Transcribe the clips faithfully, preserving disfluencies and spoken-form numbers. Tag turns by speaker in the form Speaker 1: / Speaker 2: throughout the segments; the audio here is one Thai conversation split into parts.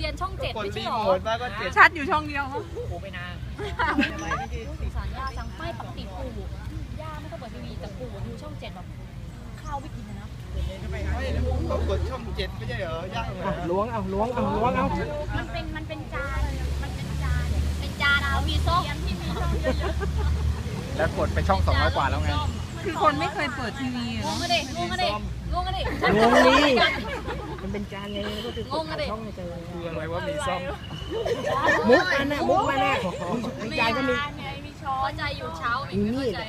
Speaker 1: ยนช่องเจ็ดไม่ใช่หรอ
Speaker 2: ชัดอยู่ช่องเดียวมั้ง
Speaker 3: ปู่ไปนาน
Speaker 1: สงสารย่าจังไม่ปกติปู่ย่าไม่ต้องเปิดทีวีแต่ปู่ดูช่องเจ็ดแบบข้าวไม่กินนะ
Speaker 4: ต้องกดช่องเจ็ดไม่ใช่เหรอย่า
Speaker 3: ล้วงเอาล้วงเอาล้วงเอา
Speaker 1: มันเป็นมันเป็นจานมันเป็นจานเป็นจานเอามีส้มที่มีช่องเยอะ
Speaker 5: ๆแล้วกดไปช่องสองร้อยกว่าแล้วไง
Speaker 2: คือคนไม่เคยเปิดทีวี
Speaker 1: งงกันดิงงกันดิงงกันดิ
Speaker 3: งงนี่มันเป็นจานไงก็คือง
Speaker 1: งกันดิ
Speaker 5: คืออะไรว่ามีซ่อม
Speaker 3: มุกมันน่ะมุกมันน่ะจานก็มี
Speaker 1: มีช้อนใจอยู่เช้าไม่เข้าใจ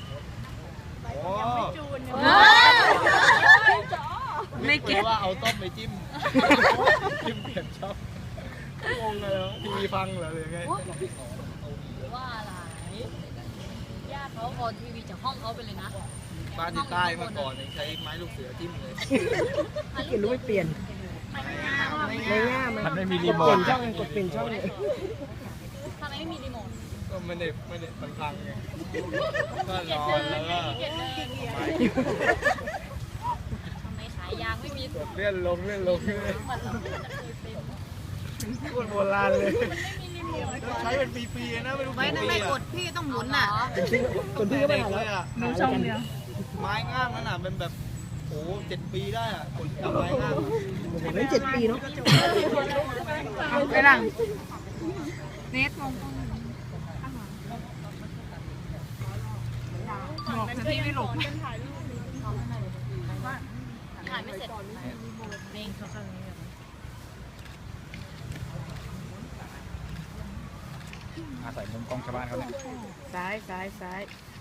Speaker 2: ไม่เก็ต
Speaker 4: ว่าเอาต้มไปจิ้มจิ้มเปลี่ยนช่องงงเลยทีวีพังเหรอหรือไง
Speaker 1: ว่าอะไรญาติเขาออนทีวีจากห้องเขาไปเลยนะ
Speaker 4: บ้านที่ใต้เมื่อก่อนใช้ไม้ลูกเสือจิ้มเลย
Speaker 3: เขียนรู้ไม่เปลี่ยนไม่ง่าย
Speaker 5: มันไม่มีรีโมท
Speaker 3: เปลี่ยนช่องกดเปลี่ยนช่องเลย
Speaker 1: ทำไมไม่มีรีโมท
Speaker 4: ก็ไม่ได้ไม่ได้มันพังไงก็รอแล้วก็
Speaker 1: ทำไมขายยางไม่มี
Speaker 4: เลื่อนลงเลื่อนลงเลยพูดโบราณเลยใช้เป็นปีๆนะไม่รู้
Speaker 6: ไม่ไม่ไม่กดพี่ต้องหมุนน่ะ
Speaker 3: กดพี่ก็ไม่หา
Speaker 4: เลยอ่ะ
Speaker 2: ดูช่องเดียว
Speaker 4: ไม้งามนั่นน่ะเป็นแบบโอ้เจ็ดปีได้อ่ะกดกับไม้งาม
Speaker 3: ไม่เจ็ดปีเนาะ
Speaker 2: ไปหลังเนทมองบอกจะพี่ไม่หลบ
Speaker 1: ถ่ายไม่เสร็จเองเขาข้างนี้
Speaker 5: อาศัยมุมกล้องชาวบ้านเขาเนี่ย
Speaker 3: ซ้ายซ้ายซ้าย